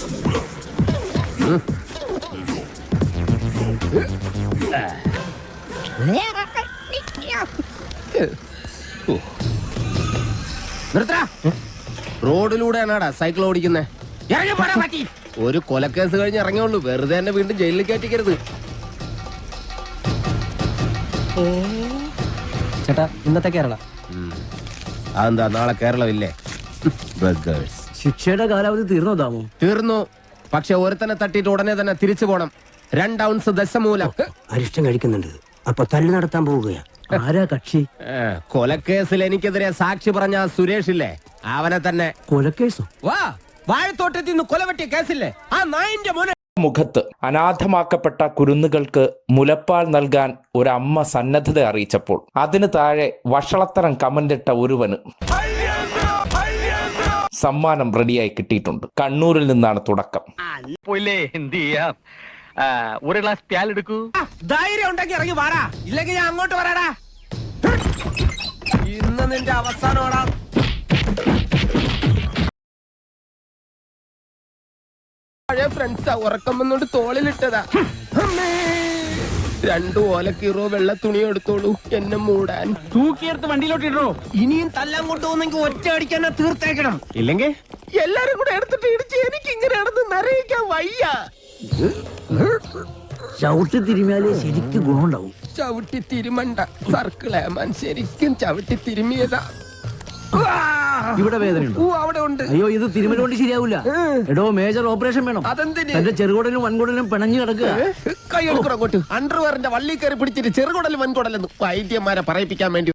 റോഡിലൂടെയാണാടാ cycle ഓടിക്കുന്നേ. ഒരു കൊലക്കേസ് കഴിഞ്ഞ് ഇറങ്ങിയുള്ളൂ, വെറുതെ തന്നെ വീണ്ടും ജയിലിൽ കയറ്റിക്കരുത്. ചേട്ടാ ഇന്നത്തെ കേരള അതെന്താ നാളെ കേരളമില്ലേ? ശിക്ഷയുടെ കാലാവധി തീർന്നോ താമോ? തീർന്നു. പക്ഷെ ഒരുത്തനെ തട്ടിയിട്ട് ഉടനെ തന്നെ തിരിച്ചു പോണം. 2 ഔൺസ് ദശമൂലം. അരിഷ്ടം കഴിക്കുന്നുണ്ട്. അപ്പൊ തല്ലു നടത്താൻ പോവുകയാ. ആരാ കക്ഷി? കൊലക്കേസിൽ എനിക്കെതിരെ സാക്ഷി പറഞ്ഞ സുരേഷ് ഇല്ലേ, അവനെ തന്നെ. കൊലക്കേസോ? വാ, വാഴത്തോട്ടത്തിൽ നിന്ന് കൊലവെട്ടിയ കേസില്ലേ, ആ നായിന്റെ മോനെ. മുഖത്ത് അനാഥമാക്കപ്പെട്ട കുരുന്നുകൾക്ക് മുലപ്പാൽ നൽകാൻ ഒരമ്മ സന്നദ്ധത അറിയിച്ചപ്പോൾ അതിന് താഴെ വഷളത്തരം കമന്റിട്ട ഒരുവന് സമ്മാനം റെഡിയായി കിട്ടിയിട്ടുണ്ട്. കണ്ണൂരിൽ നിന്നാണ് തുടക്കം. ഒരു ഗ്ലാസ് പ്യാൽ എടുക്കൂ. ധൈര്യം ഉണ്ടെങ്കിൽ ഇറങ്ങി വാടാ, ഇല്ലെങ്കിൽ ഞാൻ അങ്ങോട്ട് വരാടാ. ഇന്ന് നിന്റെ അവസാനമാടാ. പഴയ ഫ്രണ്ട്സാ, ഉറക്കം വന്നോണ്ട് തോളിലിട്ടതാ. 2 ഓലക്കീറോ വെള്ള തുണി എടുത്തോളൂ എന്നെ മൂടാൻ. തൂക്കിയെടുത്ത് വണ്ടിയിലോട്ട് ഇടോ. ഇനിയും തല്ലാൻ കൊണ്ടുപോകുന്നെങ്കിൽ ഒറ്റ അടിക്കാൻ തീർത്തേക്കണം, ഇല്ലെങ്കിൽ എല്ലാരും കൂടെ എടുത്തിട്ട് ഇടിച്ച് എനിക്ക് ഇങ്ങനെയാണെന്ന് നിറയിക്കാൻ വയ്യ. ചവിട്ടി തിരുമിയാലേ ശരിക്കും ഗുണമുണ്ടാവും. ചവിട്ടി തിരുമണ്ട, സർക്കിളേമാൻ ശരിക്കും ചവിട്ടി തിരുമിയതാ. ഇവിടെ വേദനയുണ്ടോ? അവിടെ ഉണ്ട്. അയ്യോ, ഇത് തിരുമല കൊണ്ട് ശരിയാവില്ല. എടോ, മേജർ ഓപ്പറേഷൻ വേണം. അതെന്തിന്? എന്റെ ചെറുകുടലും വൻകുടലും പിണഞ്ഞു കിടക്കുക. കൈ എടുക്കണം അങ്ങോട്ട്. അണ്ടർവെയറിന്റെ വള്ളി കയറി പിടിച്ചിട്ട് ചെറുകുടലും വൻകുടലെന്ന് വൈദ്യന്മാരെ പറയിപ്പിക്കാൻ വേണ്ടി